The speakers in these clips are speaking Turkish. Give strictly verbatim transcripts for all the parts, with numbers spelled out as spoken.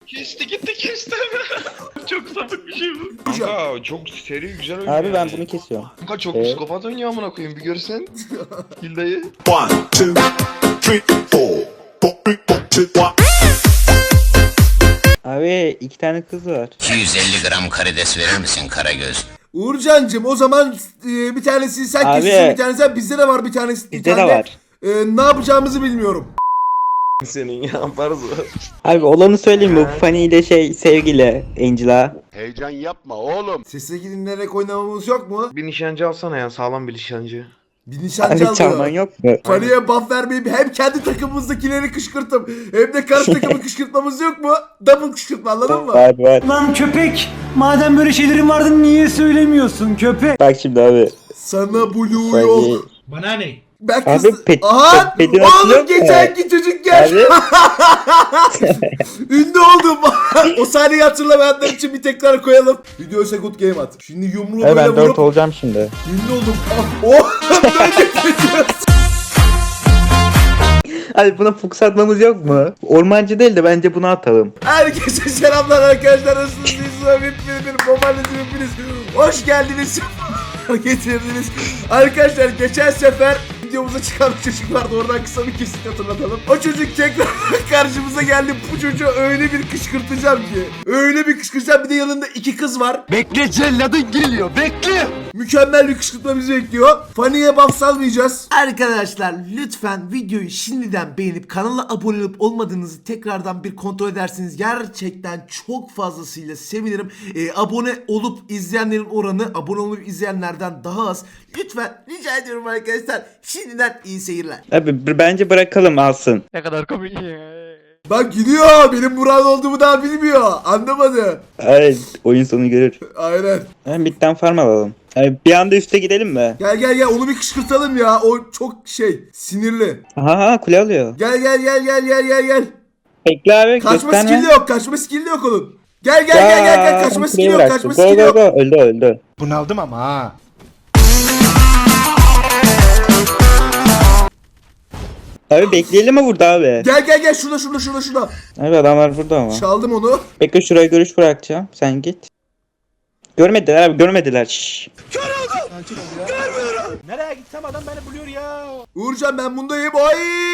Kesti gitti kesti. Çok sapık bir şey bu. Kanka çok seri güzel oynuyor. Abi ben bunu kesiyorum. Kanka çok Evet. psikopat oynuyor amına koyayım bir görsen. Hilda'yı. One, two, three, four. Four, three, four, two, one. Abi iki tane kız var. iki yüz elli gram karides verir misin Karagöz? Uğurcancığım o zaman e, bir tanesini sen Abi. kesiyorsun, bir tanesi sen, bizde de var bir tanesi. bir Bizde de tane. var. E, ne yapacağımızı bilmiyorum. Senin yaparız o. Abi olanı söyleyeyim mi? Bu Fanny ile şey sevgili Angela. Heyecan yapma oğlum. Sesle dinlenerek oynamamız yok mu? Bir nişancı alsana ya sağlam bir nişancı. Bir nişancı Abi çalman alıyor. yok mu? Fanny'e buff vermeyip hem kendi takımımızdakileri kışkırtıp hem de karşı takımı kışkırtmamız yok mu? Double kışkırtma, anladın mı? Var var. Lan köpek! Madem böyle şeylerin vardı niye söylemiyorsun köpek? Bak şimdi abi. Sana blue Fanny. yok. Bana ne? Ben Abi kız... pet- Aha! pet- pedini hatırlıyor Oğlum musun? geçenki çocuk gel. Abi. Ünlü oldum. O sahneyi hatırlamayanlar için bir tekrar koyalım. Video Second Game at. Şimdi yumruğu Abi böyle ben dört vurup olacağım şimdi. ünlü oldum. Ah, oh! Böyle geçiyoruz. Abi buna fokus atmamız yok mu? Ormancı değil de bence bunu atalım. Herkese selamlar arkadaşlar. Nasılsınız? Hepiniz bir babaannesi hepiniz. Hoş geldiniz. Getirdiniz. Arkadaşlar geçen sefer videomuza çıkan bir çocuk vardı. Oradan kısa bir kesit hatırlatalım. O çocuk tekrar karşımıza geldi. Bu çocuğu öyle bir kışkırtacağım ki. Öyle bir kışkırtacağım. Bir de yanında iki kız var. Bekle celladın geliyor bekle. Mükemmel bir kışkırtma bizi bekliyor. Fanny'e buff salmayacağız. Arkadaşlar lütfen videoyu şimdiden beğenip kanala abone olup olmadığınızı tekrardan bir kontrol ederseniz gerçekten çok fazlasıyla sevinirim. Ee, abone olup izleyenlerin oranı abone olup izleyenlerden daha az. Lütfen rica ediyorum arkadaşlar. Şimdiden iyi seyirler. Abi b- bence bırakalım alsın. Ne kadar komik ya. Bak gidiyor. Benim Burak olduğumu daha bilmiyor. Anlamadı. Evet oyun sonu görür. Aynen. Hemen bitten farm alalım. Abi bir anda üste gidelim mi? Gel gel gel onu bir kışkırtalım ya. O çok şey sinirli. Aha aha, kule alıyor. Gel gel gel gel gel gel gel. Bekle abi Kaçma gösterme. skill'i yok, kaçma skill'i yok onun. Gel gel gel gel gel, kaçma kuleyi skill'i yok, bıraktı. kaçma Go skill'i go yok. go öldü öldü. Bunaldım ama ha. Abi bekleyelim mi burada abi? Gel gel gel şurada şurada şurada şurada. Abi adamlar burada ama. Çaldım onu. Bekle şuraya görüş bırakacağım. Sen git. Görmediler abi görmediler. Şşş. Nereye gitsem adam beni buluyor ya. Uğurcan ben bundayım. Oy!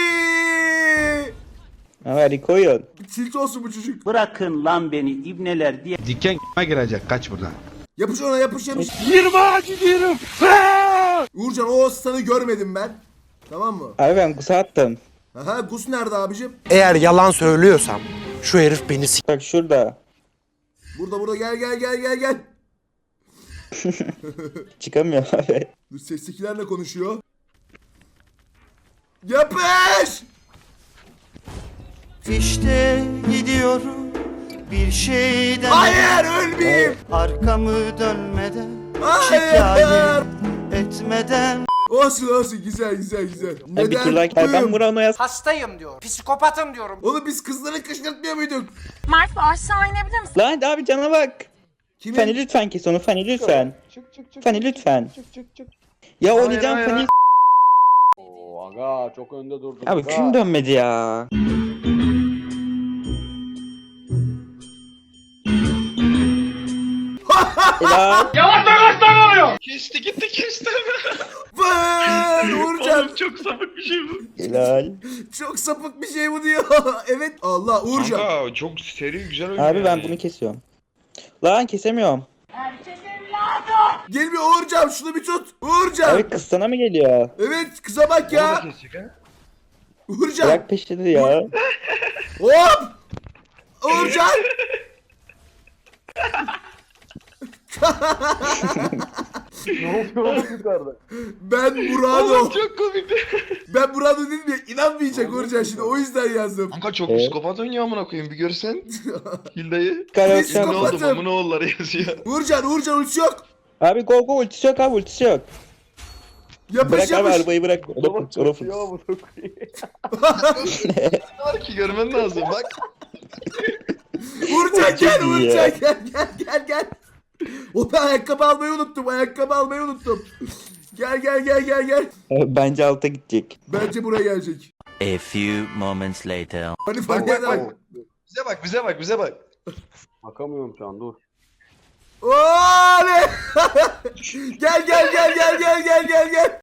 Abi Rico'yun. Tilt olsun bu çocuk. Bırakın lan beni ibneler diye. Diken girecek kaç buradan. Yapış ona yapış yapış. Yirmi gidiyorum. Uğurcan o aslanı görmedim ben. Tamam mı? Abi ben kusa attım. Aha Gus nerede abicim? Eğer yalan söylüyorsam şu herif beni s***. Bak şurada. Burada burada gel gel gel gel gel. Çıkamıyor abi. Dur seslikilerle konuşuyor. Yapış! İşte gidiyorum bir şeyden Hayır ölmeyeyim. arkamı dönmeden Hayır. şikayet etmeden Olsun olsun güzel güzel güzel. Abi bir tur like. Abi ben Murano'ya Hastayım diyor. Psikopatım diyorum. Oğlum biz kızları kışkırtmıyor muyduk? Mert aşağı inebilir misin? Lan abi cana bak. Kimin? Fanny lütfen kes onu Fanny lütfen. Çık çık çık. Fanny lütfen. Çık çık çık. Ya Hayır, oynayacağım hayır, Fanny. Oo aga çok önde durdun. Abi kim dönmedi ya? Helal. Kesti gitti kesti. Vay Uğurcan. Oğlum çok sapık bir şey bu. Helal. Çok sapık bir şey bu diyor. Evet. Allah Uğurcan. Kanka çok seri güzel oynuyor. Abi ben bunu kesiyorum. Lan kesemiyorum. Gelmiyor Uğurcan şunu bir tut. Uğurcan. Abi kız sana mı geliyor? Evet kıza bak Onu da ya. kesecek ha. Uğurcan. Bırak peşini ya. Hop. Uğurcan. Ne oluyor oğlum yukarıda? Ben Murado. Oğlum çok komikti. Ben Murado dedim ya inanmayacak Uğurcan şimdi o yüzden yazdım. Kanka çok Evet. psikopat oynuyor amına koyayım bir görsen. Hilda'yı. Karaoke Psikopat. Ne oldu Psikopatım. mamın oğulları yazıyor. Uğurcan Uğurcan ulti yok. Abi go go ultisi yok abi ultisi yok. Yapış Bırak abi yapış. arabayı bırak. O da fıks, o da fıks. Var ki görmen lazım bak. Uğurcan gel Çok iyi Uğurcan ya. gel gel gel gel. O ben ayakkabı almayı unuttum ayakkabı almayı unuttum. Gel gel gel gel gel. Bence alta gidecek. Bence buraya gelecek. A few moments later. Hani Bak fark bak eder. bak. Bize bak bize bak bize bak. Bakamıyorum şu an dur. Oley! Gel gel gel gel gel gel gel gel.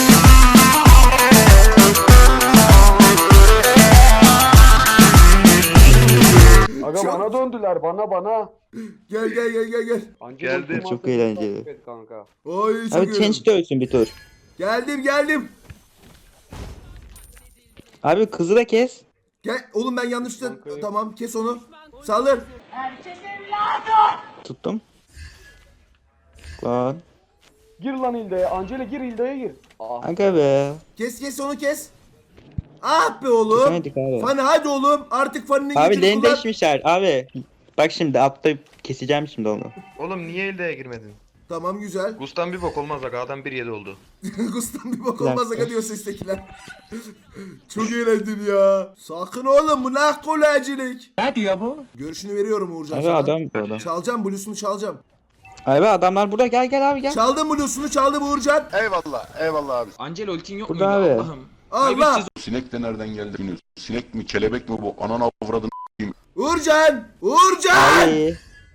Aga Çok- bana döndüler bana bana. Gel gel gel gel gel. Anca Geldi. ultim Çok attı, eğlenceli. takip et kanka. Oy çok Abi iyi. change de ölsün bir tur. Geldim geldim. Abi kızı da kes. Gel oğlum ben yanlışlıkla Bankayı- tamam kes onu. Saldır. Tuttum. Lan. Gir lan Hilda'ya. Angela gir Hilda'ya gir. Ah. Aga be. Kes kes onu kes. Ah be oğlum. Kesemedik abi. Fani hadi oğlum. Artık Fani'nin Abi gücünü lane kullan. değişmişler abi. Bak şimdi altta keseceğim şimdi onu. Oğlum niye elde girmedin? Tamam güzel. Gustan bir bok olmaz aga adam bir yedi oldu. Gustan bir bak olmaz aga diyor sestekiler. Çok eğlendim ya. Sakın oğlum bu ne kolajcilik. Ne diyor bu? Görüşünü veriyorum Uğurcan Abi sana. adam bu adam. Çalacağım bluesunu çalacağım. Abi adamlar burada gel gel abi gel. Çaldım bluesunu çaldım Uğurcan. Eyvallah eyvallah abi. Angelo ultin yok Burada abi. Allah. Sinek de nereden geldi bilmiyoruz. Sinek mi kelebek mi bu? Ananı avradın. Uğurcan. Uğurcan. Ay.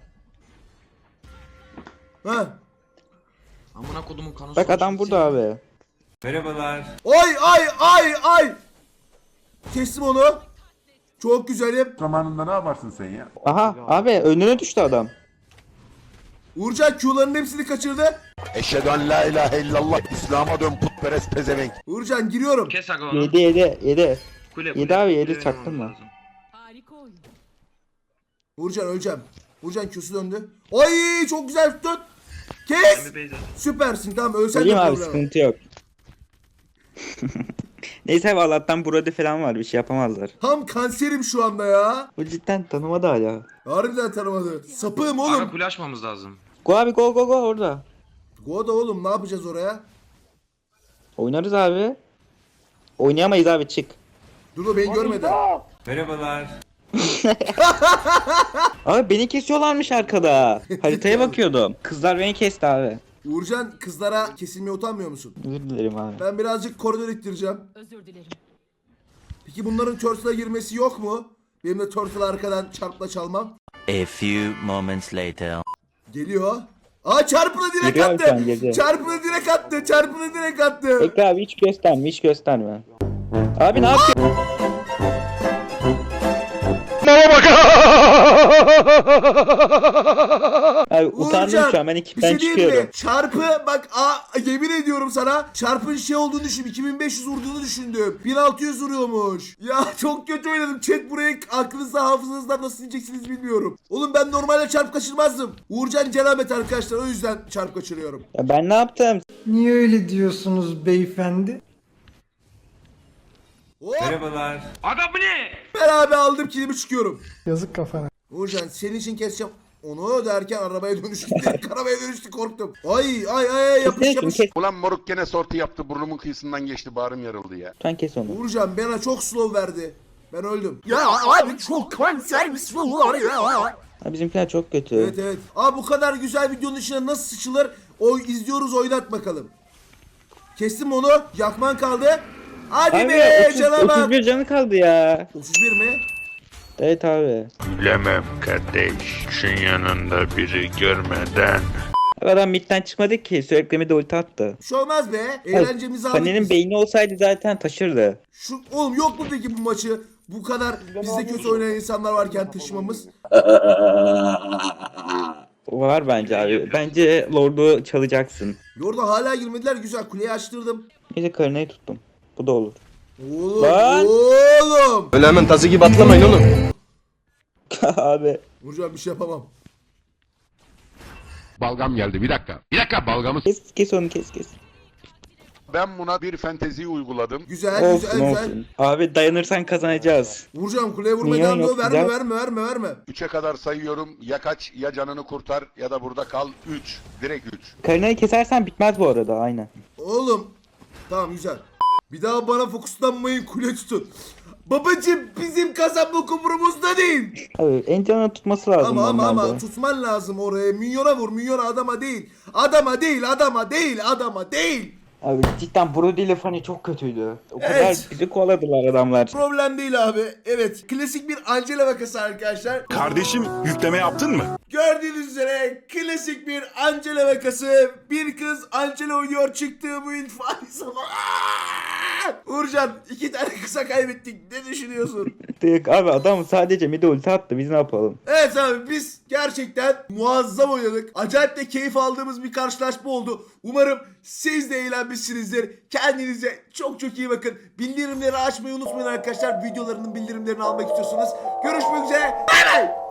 Ha. Amına kodumun kanı. Bak adam burada abi. Ay ay ay ay. Kestim onu. Çok güzelim. Zamanında ne yaparsın sen ya? Aha abi önüne düştü adam. Uğurcan Q'ların hepsini kaçırdı. Eşhedü en la ilahe illallah. İslam'a dön putperest pezevenk. Uğurcan giriyorum. Kes aga onu. Yedi yedi yedi. Kule, Yedi abi, yedi, Kule çaktın mı? lazım. Uğurcan öleceğim. Uğurcan Q'su döndü. Ay çok güzel tuttun. Kes. Ben bir base atayım. Süpersin tamam ölsen de Söyleyeyim abi problem yok. sıkıntı yok. Neyse abi Allah'tan Brody falan var bir şey yapamazlar. Tam kanserim şu anda ya. Bu cidden tanımadı hala. Harbiden tanımadı. Sapığım Aga oğlum. kule açmamız lazım. Go abi go go go orada. Go da oğlum ne yapacağız oraya? Oynarız abi. Oynayamayız abi çık. Dur o beni görmedi. Abi beni kesiyorlarmış arkada. Haritaya bakıyordum. Kızlar beni kesti abi. Uğurcan kızlara kesilmeye utanmıyor musun? Özür dilerim abi. Ben birazcık koridor ittireceğim. Özür dilerim. Peki bunların turtle'a girmesi yok mu? Benim de turtle'ı arkadan çarpla çalmam. A few moments later. Geliyor. Aa çarpını direkt Geliyor attı. Hakan, geliyor. Çarpını direkt attı. Çarpını direkt attı. Bekle abi hiç gösterme hiç gösterme. Abi ne yapıyorsun? Abi utandım şu an ben bir ekipten şey diyeyim çıkıyorum. mi? Çarpı bak aa, yemin ediyorum sana çarpın şey olduğunu düşün. iki bin beş yüz vurduğunu düşündüm. bin altı yüz vuruyormuş. Ya çok kötü oynadım. Chat buraya aklınızda hafızanızdan nasıl diyeceksiniz bilmiyorum. Oğlum ben normalde çarp kaçırmazdım. Uğurcan Celamet arkadaşlar o yüzden çarp kaçırıyorum. Ya ben ne yaptım? Niye öyle diyorsunuz beyefendi? Hop, Aga bu ne? ben abi aldım kilimi çıkıyorum. Yazık kafana. Uğurcan senin için keseceğim. Onu derken arabaya dönüştü. Direkt arabaya dönüştü korktum. Ay ay ay yapış Kes yapış. kes. Ulan moruk gene sorti yaptı. Burnumun kıyısından geçti. Bağrım yarıldı ya. Lütfen kes onu. Uğurcan bana çok slow verdi. Ben öldüm. Ya abi çok kansermiş bunlar ya. Abi bizimkiler çok kötü. Evet evet. Abi bu kadar güzel videonun içine nasıl sıçılır? O izliyoruz oynat bakalım. Kestim onu. Yakman kaldı. Hadi Abi be otuz, cana bak. otuz bir canı kaldı ya. otuz bir mi? Evet abi. Bilemem kardeş. Şun yanında biri görmeden. Abi adam midden çıkmadı ki sürekli de ulti attı. Bir şey olmaz be. Eğlencemizi aldık Fanny'nin biz. beyni olsaydı zaten taşırdı. Şu, oğlum yok mu peki bu maçı? Bu kadar bizde kötü oynayan insanlar varken taşımamız. Var bence abi. Bence Lord'u çalacaksın. Orada hala girmediler. Güzel kuleyi açtırdım. Neyse karınayı tuttum. Bu da olur. Oğlum Lan! oğlum. Öyle hemen tazı gibi atlamayın oğlum. abi. Vuracağım bir şey yapamam. Balgam geldi bir dakika. Bir dakika balgamı. Kes kes onu kes kes. Ben buna bir fentezi uyguladım. Güzel Olsun güzel güzel. olsun. Abi dayanırsan kazanacağız. Vuracağım kuleye vurmaya Minyon devam ediyor. yok, Verme güzel. verme verme verme. Üçe kadar sayıyorum. Ya kaç ya canını kurtar ya da burada kal. Üç. Direkt üç. Karınayı kesersen bitmez bu arada aynen. Oğlum. Tamam güzel. Bir daha bana fokuslanmayın kule tutun. Babacım bizim kazanma kumurumuzda değil. Abi en canını tutması lazım Ama ama normalde. ama tutman lazım oraya. Minyona vur minyona adama değil. Adama değil adama değil adama değil. Abi cidden Brody ile Fanny çok kötüydü. O kadar Evet. bizi kovaladılar adamlar. Problem değil abi. Evet. Klasik bir Angela vakası arkadaşlar. Kardeşim yükleme yaptın mı? Gördüğünüz üzere klasik bir Angela vakası. Bir kız Angela oynuyor, çıktığı bu infaz sana. Uğurcan, iki tane kısa kaybettik. Ne düşünüyorsun? Tık abi adam sadece mide ulti attı, biz ne yapalım? Evet abi, biz gerçekten muazzam oynadık. Acayip de keyif aldığımız bir karşılaşma oldu. Umarım siz de eğlenmişsinizdir. Kendinize çok çok iyi bakın. Bildirimleri açmayı unutmayın arkadaşlar. Videolarının bildirimlerini almak istiyorsanız. Görüşmek üzere. Bay bay.